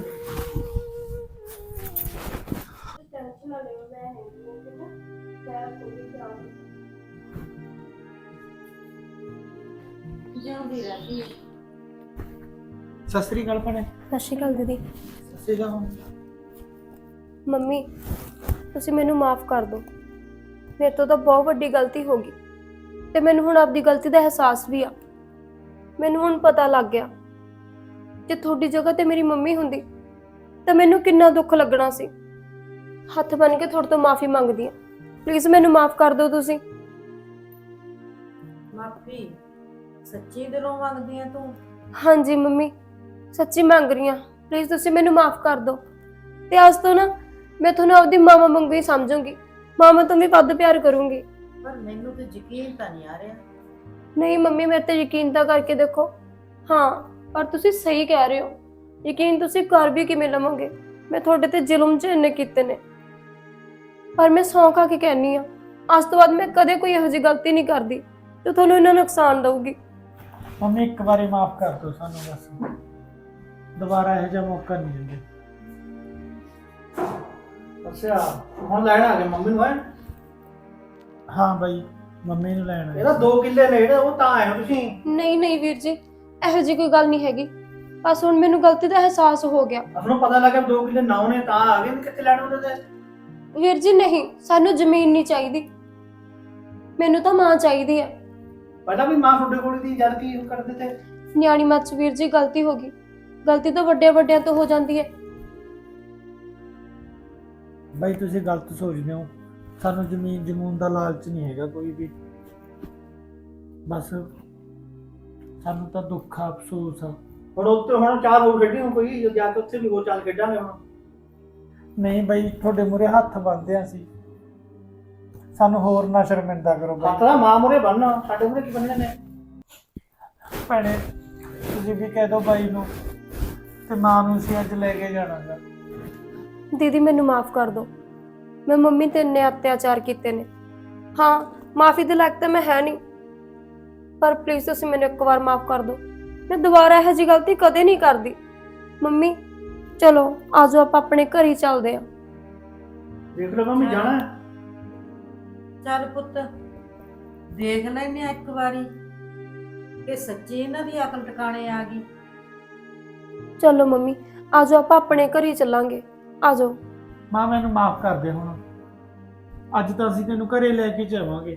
ਸਤਿ ਸ੍ਰੀ ਅਕਾਲ ਭੈਣੇ। ਸਤਿ ਸ਼੍ਰੀ ਅਕਾਲ ਦੀਦੀ। ਸਤਿ ਸ੍ਰੀ ਅਕਾਲ। ਮੰਮੀ ਤੁਸੀਂ ਮੈਨੂੰ ਮਾਫ ਕਰ ਦਿਓ, ਮੇਰੇ ਤੋਂ ਤਾਂ ਬਹੁਤ ਵੱਡੀ ਗਲਤੀ ਹੋ ਗਈ, ਤੇ ਮੈਨੂੰ ਹੁਣ ਆਪਦੀ ਗਲਤੀ ਦਾ ਅਹਿਸਾਸ ਵੀ ਆ। ਮੈਨੂੰ ਹੁਣ ਪਤਾ ਲੱਗ ਗਿਆ, ਜੇ ਤੁਹਾਡੀ ਜਗ੍ਹਾ ਤੇ ਮੇਰੀ ਮੰਮੀ ਹੁੰਦੀ ਤਾਂ ਮੈਨੂੰ ਕਿੰਨਾ ਦੁੱਖ ਲੱਗਣਾ ਸੀ। ਹੱਥ ਬੰਨ ਕੇ ਤੁਹਾਡੇ ਤੋਂ ਮਾਫੀ ਮੰਗਦੀ ਆ, ਪਲੀਜ਼ ਮੈਨੂੰ ਮਾਫ ਕਰ ਦਿਓ ਤੁਸੀਂ। ਮਾਫੀ ਸੱਚੀ ਦਿਲੋਂ ਮੰਗਦੀ ਆ ਤੂੰ? ਹਾਂਜੀ ਮੰਮੀ, ਸੱਚੀ ਮੰਗ ਰਹੀ ਆ, ਪਲੀਜ਼ ਤੁਸੀਂ ਮੈਨੂੰ ਮਾਫ ਕਰ ਦਿਓ। ਤੇ ਅੱਜ ਤੋਂ ਨਾ ਮੈਂ ਤੁਹਾਨੂੰ ਆਪਦੀ ਮਾਮਾ ਵਾਂਗੂ ਹੀ ਸਮਝੂੰਗੀ, ਮਾਮਾ ਤੋਂ ਵੀ ਵੱਧ ਪਿਆਰ ਕਰੂੰਗੀ। ਪਰ ਮੈਨੂੰ ਤੇ ਯਕੀਨ ਤਾਂ ਨਹੀਂ ਆ ਰਿਹਾ। ਨਹੀਂ ਮੰਮੀ, ਮੇਰੇ ਤੇ ਯਕੀਨ ਤਾਂ ਕਰਕੇ ਦੇਖੋ। ਹਾਂ ਪਰ ਤੁਸੀਂ ਸਹੀ ਕਹਿ ਰਹੇ ਹੋ। ਯਕੀਨ ਤੁਸੀਂ ਕਰ ਵੀ ਕਿਵੇਂ ਲਵੋਗੇ? ਮੈਂ ਤੁਹਾਡੇ ਤੇ ਜ਼ੁਲਮ ਚ ਇੰਨੇ ਕੀਤੇ ਨੇ, ਪਰ ਮੈਂ ਸਹੁੰ ਖਾ ਕੇ ਕਹਿੰਨੀ ਆ ਅੱਜ ਤੋਂ ਬਾਅਦ ਮੈਂ ਕਦੇ ਕੋਈ ਇਹੋ ਜਿਹੀ ਗਲਤੀ ਨਹੀਂ ਕਰਦੀ ਜੋ ਤੁਹਾਨੂੰ ਇਹਨਾਂ ਨੁਕਸਾਨ ਦਊਗੀ। ਮੰਮੀ ਇੱਕ ਵਾਰੀ ਮਾਫ ਕਰ ਦਿਓ ਸਾਨੂੰ, ਬਸ ਦੁਬਾਰਾ ਇਹੋ ਜਿਹਾ ਮੌਕਾ ਨਹੀਂ ਦਿੰਦੇ। ਅੱਛਾ ਹੁਣ ਲੈਣ ਆ ਗਏ ਮੰਮੀ ਨੂੰ ਹੈ। ਹਾਂ ਬਾਈ, ਮੰਮੀ ਨੂੰ ਲੈਣ ਆਏ ਇਹਦਾ ਸੀ। ਦੋ ਕਿੱਲੇ ਨੇ ਜਿਹੜੇ ਉਹ ਤਾਂ ਆਏ ਹੋ ਤੁਸੀਂ। ਨਹੀਂ ਨਹੀਂ ਵੀਰ ਜੀ, ਇਹੋ ਜਿਹੀ ਕੋਈ ਗੱਲ ਨਹੀਂ ਹੈਗੀ। ਬਸ ਹੁਣ ਮੈਨੂੰ ਗਲਤੀ ਦਾ ਅਹਿਸਾਸ ਹੋ ਗਿਆ। ਤੁਹਾਨੂੰ ਪਤਾ ਲੱਗਾ ਦੋ ਕਿੱਲੇ ਨੌ ਨੇ ਤਾਂ ਆ ਗਏ, ਨਹੀਂ ਕਿੱਥੇ ਲੈਣ ਉਹਦੇ ਤੇ। ਵੀਰ ਜੀ ਨਹੀਂ, ਸਾਨੂੰ ਜ਼ਮੀਨ ਨਹੀਂ ਚਾਹੀਦੀ, ਮੈਨੂੰ ਤਾਂ ਮਾਂ ਚਾਹੀਦੀ ਹੈ। ਪਹਿਲਾਂ ਵੀ ਮਾਂ ਤੁਹਾਡੇ ਕੋਲ ਦੀ ਜਦ ਕੀ ਕਰਦੇ ਤੇ। ਨਿਆਣੀ ਮੱਤ 'ਚ ਵੀਰ ਜੀ ਗਲਤੀ ਹੋ ਗਈ। ਗਲਤੀ ਤਾਂ ਵੱਡਿਆਂ ਵੱਡਿਆਂ ਤੋਂ ਹੋ ਜਾਂਦੀ ਹੈ। ਬਾਈ ਤੁਸੀਂ ਗਲਤ ਸੋਚਦੇ ਹੋ, ਸਾਨੂੰ ਜ਼ਮੀਨ ਜਮੂਨ ਦਾ ਲਾਲਚ ਨਹੀਂ ਹੈਗਾ ਕੋਈ ਵੀ। ਬਸ ਸਾਨੂੰ ਤਾਂ ਦੁੱਖ ਆ, ਅਫਸੋਸ ਆ। ਹੁਣ ਉੱਤੇ ਹੁਣ ਚਾਰ ਹੋਰ ਖੇਡੀ ਹੁਣ ਕੋਈ ਜਾ ਕੇ ਉੱਥੇ ਵੀ ਹੋਰ ਚਾਲ ਖੇਡਾਂਗੇ ਹੁਣ। ਨਹੀਂ ਬਾਈ, ਤੁਹਾਡੇ ਮੂਹਰੇ ਹੱਥ ਬੰਨ੍ਹਦੇ ਆ ਸੀ, ਸਾਨੂੰ ਹੋਰ ਨਾ ਸ਼ਰਮਿੰਦਾ ਕਰੋ ਹੱਥ ਬਾਈ। ਦਾ ਮਾਂ ਮੂਹਰੇ ਬੰਨ੍ਹਣਾ, ਸਾਡੇ ਮੂਹਰੇ ਕੀ ਬੰਨ੍ਹਣੇ ਨੇ। ਭੈਣੇ ਤੁਸੀਂ ਵੀ ਕਹਿ ਦਿਓ ਬਾਈ ਨੂੰ, ਤੇ ਮਾਂ ਨੂੰ ਅਸੀਂ ਅੱਜ ਲੈ ਕੇ ਜਾਣਾਗਾ। ਦੀਦੀ ਮੈਨੂੰ ਮਾਫ ਕਰ ਦਿਓ, ਮੈਂ ਮੰਮੀ ਤੇ ਇੰਨੇ ਅਤਿਆਚਾਰ ਕੀਤੇ ਨੇ। ਹਾਂ, ਮਾਫੀ ਦੇ ਲਾਇਕ ਤਾਂ ਮੈਂ ਹੈ ਨਹੀਂ, ਪਰ ਪਲੀਜ਼ ਤੁਸੀਂ ਮੈਨੂੰ ਇੱਕ ਵਾਰ ਮਾਫ ਕਰ ਦਿਓ। ਮੈਂ ਦੁਬਾਰਾ ਇਹੋ ਜਿਹੀ ਗਲਤੀ ਕਦੇ ਨਹੀਂ ਕਰਦੀ। ਮੰਮੀ ਚਲੋ ਆਜੋ ਆਪਾਂ ਆਪਣੇ ਘਰ ਹੀ ਚੱਲਦੇ ਹਾਂ। ਦੇਖ ਲਓ ਮੰਮੀ ਜਾਣਾ ਹੈ। ਚੱਲ ਪੁੱਤ ਦੇਖ ਲੈਨੇ ਆ ਇੱਕ ਵਾਰੀ ਕਿ ਸੱਚੀ ਇਹਨਾਂ ਦੀ ਅਕਲ ਟਿਕਾਣੇ ਆ ਗਈ। ਚਲੋ ਮੰਮੀ ਆਜੋ ਆਪਾਂ ਆਪਣੇ ਘਰ ਹੀ ਚੱਲਾਂਗੇ। ਆਜੋ। ਮਾਂ ਮੈਨੂੰ ਮਾਫ ਕਰ ਦੇ ਹੁਣ, ਅੱਜ ਤਾਂ ਅਸੀਂ ਤੈਨੂੰ ਘਰੇ ਲੈ ਕੇ ਜਾਵਾਂਗੇ।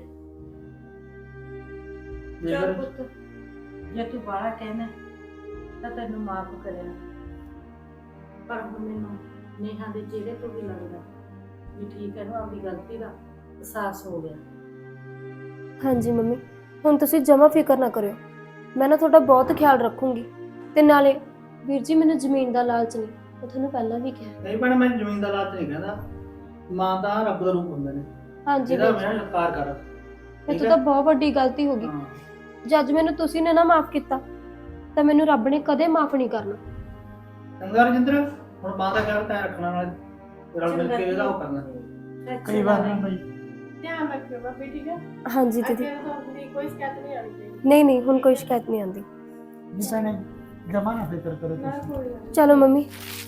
ਚੱਲ ਪੁੱਤ ਜੇ ਤੂੰ ਬਾਹਲਾ ਕਹਿਣਾ ਤਾਂ ਤੈਨੂੰ ਮਾਫ ਕਰਿਆ, ਪਰ ਹੁਣ ਮੈਨੂੰ ਨੇਹਾ ਦੇ ਚਿਹਰੇ ਤੋਂ ਵੀ ਲੱਗਦਾ ਵੀ ਠੀਕ ਹੈ ਨਾ, ਆਪਣੀ ਗਲਤੀ ਦਾ ਅਹਿਸਾਸ ਹੋ ਗਿਆ। ਹਾਂਜੀ ਮੰਮੀ, ਹੁਣ ਤੁਸੀਂ ਜਮਾ ਫਿਕਰ ਨਾ ਕਰਿਓ, ਮੈਂ ਨਾ ਤੁਹਾਡਾ ਬਹੁਤ ਖਿਆਲ ਰੱਖੂੰਗੀ। ਤੇ ਨਾਲੇ ਵੀਰ ਜੀ ਮੈਨੂੰ ਜ਼ਮੀਨ ਦਾ ਲਾਲਚ ਨਹੀਂ, ਮੈਂ ਤੁਹਾਨੂੰ ਪਹਿਲਾਂ ਵੀ ਕਿਹਾ। ਨਹੀਂ ਭੈਣੇ ਮੈਂ ਜ਼ਮੀਨ ਦਾ ਲਾਲਚ ਨਹੀਂ ਕਹਿੰਦਾ, ਮਾਂ ਤਾਂ ਰੱਬ ਦਾ ਰੂਪ ਹੁੰਦੇ ਨੇ। ਹਾਂਜੀ ਇਹਦਾ ਵੀਰ ਜੀ, ਮੈਂ ਸਤਿਕਾਰ ਕਰ। ਇਹ ਤਾਂ ਬਹੁਤ ਵੱਡੀ ਗਲਤੀ ਹੋ ਗਈ। ਹਾਂ ਜੇ ਅੱਜ ਮੈਨੂੰ ਤੁਸੀਂ ਨੇ ਨਾ ਮਾਫ ਕੀਤਾ ਤਾਂ ਮੈਨੂੰ ਰੱਬ ਨੇ ਕਦੇ ਮਾਫ ਨਹੀਂ ਕਰਨਾ। ਚੰਗਾ ਰਜਿੰਦਰ, ਹੁਣ ਮਾਂ ਦਾ ਖਿਆਲ ਤਾਂ ਰੱਖਣਾ, ਨਾਲ ਰਲ ਮਿਲ ਕੇ ਇਹਦਾ ਉਹ ਕਰਨਾ। ਕਈ ਵਾਰ ਨਾ ਬਾਈ, ਧਿਆਨ ਰੱਖਿਓ ਭਾਬੀ, ਠੀਕ ਹੈ? ਹਾਂਜੀ ਦੀਦੀ, ਅੱਗੇ ਤੋਂ ਆਪਣੀ ਕੋਈ ਸ਼ਿਕਾਇਤ ਨਹੀਂ ਆਉਣੀ ਚਾਹੀਦੀ। ਨਹੀਂ ਨਹੀਂ ਹੁਣ ਕੋਈ ਸ਼ਿਕਾਇਤ ਨਹੀਂ ਆਉਂਦੀ। ਜੀ ਭੈਣੇ ਜਮਾ ਨਾ ਫਿਕਰ ਕਰੋ ਨਾ ਤੁਸੀਂ। ਕੋਈ ਗੱਲ ਚਲੋ ਮੰਮੀ।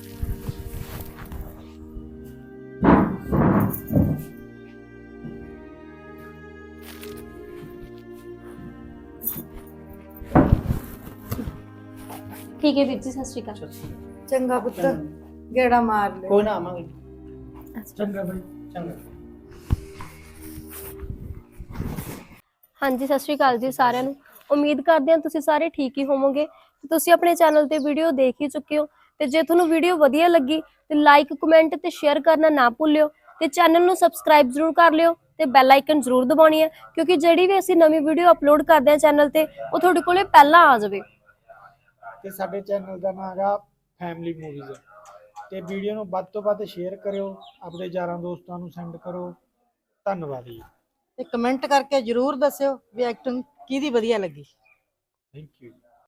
ਠੀਕ ਹੈ ਵੀਰ ਜੀ, ਸਤਿ ਸ਼੍ਰੀ ਅਕਾਲ। ਚੰਗਾ ਪੁੱਤ ਗੇੜਾ ਮਾਰ ਲੈ। ਕੋਈ ਨਾ ਆਵਾਂਗੇ। ਚੰਗਾ ਬਾਈ। ਚੰਗਾ। ਹਾਂਜੀ ਸਤਿ ਸ਼੍ਰੀ ਅਕਾਲ ਜੀ ਸਾਰਿਆਂ ਨੂੰ। ਉਮੀਦ ਕਰਦੇ ਹਾਂ ਤੁਸੀਂ ਸਾਰੇ ਠੀਕ ਹੀ ਹੋਵੋਗੇ। ਤੇ ਤੁਸੀਂ ਆਪਣੇ ਚੈਨਲ ਤੇ ਵੀਡੀਓ ਦੇਖ ਹੀ ਚੁੱਕੇ ਹੋ, ਤੇ ਜੇ ਤੁਹਾਨੂੰ ਵੀਡੀਓ ਵਧੀਆ ਲੱਗੀ ਤੇ ਲਾਈਕ ਕਮੈਂਟ ਤੇ ਸ਼ੇਅਰ ਕਰਨਾ ਨਾ ਭੁੱਲਿਓ, ਤੇ ਚੈਨਲ ਨੂੰ ਸਬਸਕ੍ਰਾਈਬ ਜ਼ਰੂਰ ਕਰ ਲਿਓ ਤੇ ਬੈਲ ਆਈਕਨ ਜ਼ਰੂਰ ਦਬਾਉਣੀ ਹੈ, ਕਿਉਂਕਿ ਜਿਹੜੀ ਵੀ ਅਸੀਂ ਨਵੀਂ ਵੀਡੀਓ ਅਪਲੋਡ ਕਰਦੇ ਹਾਂ ਚੈਨਲ ਤੇ ਉਹ ਤੁਹਾਡੇ ਕੋਲੇ ਪਹਿਲਾਂ ਆ ਜਾਵੇ। ਤੇ ਸਾਡੇ ਚੈਨਲ ਦਾ ਨਾਮ ਹੈਗਾ ਫੈਮਿਲੀ ਮੂਵੀਜ਼, ਤੇ ਵੀਡੀਓ ਨੂੰ ਵੱਧ ਤੋਂ ਵੱਧ ਸ਼ੇਅਰ ਕਰਿਓ, ਆਪਣੇ ਯਾਰਾਂ ਦੋਸਤਾਂ ਨੂੰ ਸੈਂਡ ਕਰੋ। ਧੰਨਵਾਦ ਜੀ। ਤੇ ਕਮੈਂਟ ਕਰਕੇ ਜਰੂਰ ਦੱਸਿਓ ਵੀ ਐਕਟਿੰਗ ਕਿਹਦੀ ਵਧੀਆ ਲੱਗੀ। Thank you.